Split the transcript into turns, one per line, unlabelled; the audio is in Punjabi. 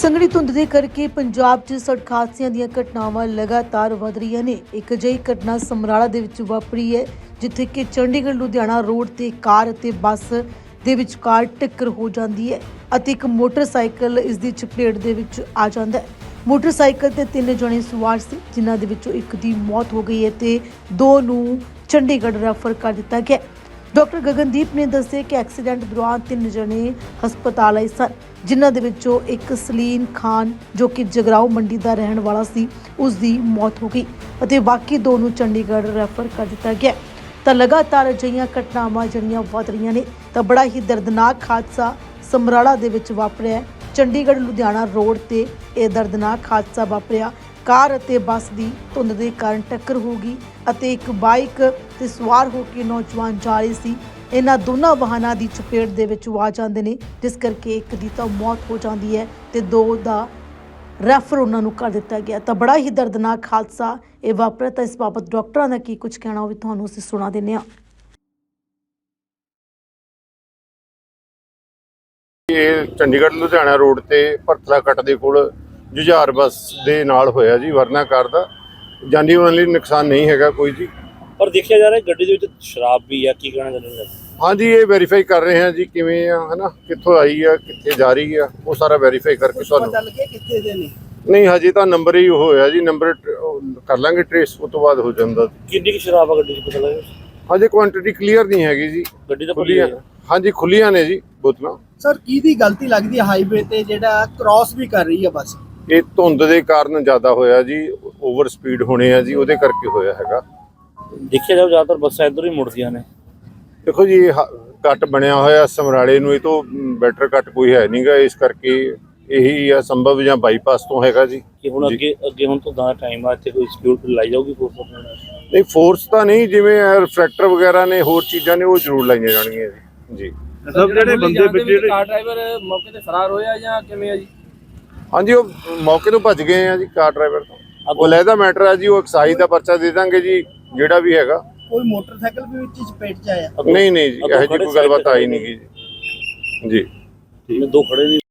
ਸੰਘਣੀ ਧੁੰਦ ਦੇ ਕਰਕੇ ਪੰਜਾਬ 'ਚ ਸੜਕ ਹਾਦਸਿਆਂ ਦੀਆਂ ਘਟਨਾਵਾਂ ਲਗਾਤਾਰ ਵਧ ਰਹੀਆਂ ਨੇ। ਇੱਕ ਅਜਿਹੀ ਘਟਨਾ ਸਮਰਾਲਾ ਦੇ ਵਿੱਚ ਵਾਪਰੀ ਹੈ, ਜਿੱਥੇ ਕਿ ਚੰਡੀਗੜ੍ਹ ਲੁਧਿਆਣਾ ਰੋਡ ਤੇ ਕਾਰ ਅਤੇ ਬੱਸ ਦੇ ਵਿਚਕਾਰ ਟੱਕਰ ਹੋ ਜਾਂਦੀ ਹੈ ਅਤੇ ਇੱਕ ਮੋਟਰਸਾਈਕਲ ਇਸ ਦੀ ਚਪੇਟ ਦੇ ਵਿੱਚ ਆ ਜਾਂਦਾ ਹੈ। ਮੋਟਰਸਾਈਕਲ ਤੇ 3 ਜਣੇ ਸਵਾਰ ਸੀ, ਜਿਨ੍ਹਾਂ ਦੇ ਵਿੱਚੋਂ ਇੱਕ ਦੀ ਮੌਤ ਹੋ ਗਈ ਹੈ ਤੇ 2 ਨੂੰ ਚੰਡੀਗੜ੍ਹ ਰੈਫਰ ਕਰ ਦਿੱਤਾ ਗਿਆ। डॉक्टर गगनदीप ने दस्सिया कि एक्सीडेंट दौरान 3 जने हस्पताल आए सन, जिन्हां दे विचों एक सलीम खान जो कि जगराओ मंडी का रहने वाला सी, उसकी मौत हो गई अते बाकी 2 नूं चंडीगढ़ रैफर कर दिता गया। तो लगातार अजिहियां घटनावां जिहड़ियां वध रहीआं ने, तो बड़ा ही दर्दनाक हादसा समराला दे विच वापरिया। चंडीगढ़ लुधियाना रोड ते यह दर्दनाक हादसा वापरिया। कार ਅਤੇ ਬੱਸ ਦੀ ਧੁੰਦ ਦੇ ਕਾਰਨ ਟੱਕਰ ਹੋ ਗਈ ਅਤੇ ਇੱਕ ਬਾਈਕ ਤੇ ਸਵਾਰ ਹੋ ਕੇ ਨੌਜਵਾਨ ਜਾ ਰਹੇ ਸੀ। ਇਹਨਾਂ ਦੋਨਾਂ ਵਾਹਨਾਂ ਦੀ ਚਪੇਟ ਦੇ ਵਿੱਚ ਆ ਜਾਂਦੇ ਨੇ, ਜਿਸ ਕਰਕੇ ਇੱਕ ਦੀ ਤਾਂ ਮੌਤ ਹੋ ਜਾਂਦੀ ਹੈ ਤੇ 2 ਦਾ ਰੈਫਰ ਉਹਨਾਂ ਨੂੰ ਕਰ ਦਿੱਤਾ ਗਿਆ। ਤਾਂ ਬੜਾ ਹੀ ਦਰਦਨਾਕ ਹਾਦਸਾ ਇਹ ਵਾਪਰਿਆ। ਤਾਂ ਇਸ ਬਾਬਤ ਡਾਕਟਰਾਂ ਦਾ ਕੀ ਕੁਝ ਕਹਿਣਾ ਉਹ ਵੀ ਤੁਹਾਨੂੰ ਅਸੀਂ ਸੁਣਾ ਦਿੰਦੇ ਹਾਂ।
ਇਹ ਚੰਡੀਗੜ੍ਹ ਲੁਧਿਆਣਾ ਰੋਡ ਤੇ ਭਰਤਲਾ ਕੱਟ ਦੇ ਕੋਲ ਜੁਝਾਰ ਬੱਸ ਦੇ ਨਾਲ ਹੋਇਆ ਜੀ। ਵਰਨਾ ਕਾਰ ਦਾ ਜਾਨੀ ਮਾਲੀ ਨੁਕਸਾਨ ਨਹੀਂ ਹੈਗਾ ਕੋਈ ਜੀ।
ਪਰ ਦੇਖਿਆ ਜਾ ਰਿਹਾ ਗੱਡੀ ਦੇ ਵਿੱਚ ਸ਼ਰਾਬ ਵੀ ਆ, ਕੀ ਕਹਿਣਾ ਚਾਹੁੰਦੇ ਹੋ?
ਹਾਂਜੀ, ਇਹ ਵੈਰੀਫਾਈ ਕਰ ਰਹੇ ਹਾਂ ਜੀ ਕਿਵੇਂ ਆ, ਹਨਾ, ਕਿੱਥੋਂ ਆਈ ਆ, ਕਿੱਥੇ ਜਾ ਰਹੀ ਆ, ਉਹ ਸਾਰਾ ਵੈਰੀਫਾਈ ਕਰਕੇ ਤੁਹਾਨੂੰ
ਚੱਲ ਕੇ ਕਿੱਥੇ ਦੇ ਨੇ।
ਨਹੀਂ, ਹਜੇ ਤਾਂ ਨੰਬਰ ਹੀ ਹੋਇਆ ਜੀ, ਨੰਬਰ ਕਰ ਲਾਂਗੇ ਟ੍ਰੇਸ, ਉਸ ਤੋਂ ਬਾਅਦ ਹੋ ਜਾਂਦਾ।
ਕਿੰਨੀ ਕੁ ਸ਼ਰਾਬ ਆ ਗੱਡੀ 'ਚ ਪਤਾ ਲੱਗਾ?
ਹਜੇ ਕੁਆਂਟੀਟੀ ਕਲੀਅਰ ਨਹੀਂ ਹੈਗੀ ਜੀ।
ਗੱਡੀ ਤਾਂ
ਖੁੱਲੀਆਂ, ਹਾਂਜੀ ਖੁੱਲੀਆਂ ਨੇ ਜੀ ਬੋਤਲਾਂ।
ਸਰ ਕਿਹਦੀ ਗਲਤੀ ਲੱਗਦੀ ਹੈ ਹਾਈਵੇ ਤੇ ਜਿਹੜਾ ਕ੍ਰਾਸ ਵੀ ਕਰ ਰਹੀ ਹੈ ਬੱਸ?
ਇਹ ਧੁੰਦ ਦੇ ਕਾਰਨ ਜ਼ਿਆਦਾ ਹੋਇਆ ਜੀ, ਓਵਰ ਸਪੀਡ ਹੋਣੇ ਆ ਜੀ, ਉਹਦੇ ਕਰਕੇ ਹੋਇਆ ਹੈਗਾ।
ਦੇਖਿਆ ਜਾਓ ਜ਼ਿਆਦਾਤਰ ਬੱਸਾਂ ਇੱਧਰ ਹੀ ਮੁੜਦੀਆਂ ਨੇ।
ਦੇਖੋ ਜੀ, ਇਹ ਕੱਟ ਬਣਿਆ ਹੋਇਆ ਸਮਰਾਲੇ ਨੂੰ, ਇਹ ਤੋਂ ਬੈਟਰ ਕੱਟ ਕੋਈ ਹੈ ਨਹੀਂਗਾ, ਇਸ ਕਰਕੇ ਇਹੀ ਆ ਸੰਭਵ, ਜਾਂ ਬਾਈਪਾਸ ਤੋਂ ਹੈਗਾ ਜੀ।
ਕਿ ਹੁਣ ਅੱਗੇ ਹੁਣ ਤੋਂ ਦਾ ਟਾਈਮ ਆ, ਇੱਥੇ ਕੋਈ ਸਕਿਉਰਟੀ ਲਾਈ ਜਾਊਗੀ ਫੋਰਸ?
ਨਹੀਂ, ਫੋਰਸ ਤਾਂ ਨਹੀਂ, ਜਿਵੇਂ ਰਿਫਲੈਕਟਰ ਵਗੈਰਾ ਨੇ, ਹੋਰ ਚੀਜ਼ਾਂ ਨੇ, ਉਹ ਜ਼ਰੂਰ ਲਾਈਆਂ ਜਾਣਗੀਆਂ ਜੀ।
ਸਭ ਜਿਹੜੇ ਬੰਦੇ ਜਿਹੜੇ
ਕਾਰ ਡਰਾਈਵਰ ਮੌਕੇ ਤੇ ਫਰਾਰ ਹੋਇਆ ਜਾਂ ਕਿਵੇਂ ਆ ਜੀ?
ਹਾਂਜੀ, ਉਹ ਮੌਕੇ ਤੋਂ ਭੱਜ ਗਏ ਆ ਜੀ ਕਾਰ ਡਰਾਈਵਰ ਤੋਂ। ਉਹ ਲੈਦਾ ਮੈਟਰ ਹੈ ਜੀ, ਉਹ ਐਕਸਾਈਜ਼ ਦਾ ਪਰਚਾ ਦੇ ਦਾਂਗੇ ਜੀ, ਜਿਹੜਾ ਵੀ ਹੈਗਾ।
ਕੋਈ ਮੋਟਰਸਾਈਕਲ ਵੀ ਵਿੱਚ ਚਪੇਟ ਚ ਆਇਆ?
ਨਹੀਂ ਜੀ, ਇਹੋ ਜਿਹੀ ਕੋਈ ਗੱਲਬਾਤ ਆਈ ਨਹੀਂ ਜੀ।
2 ਖੜੇ ਨੇ।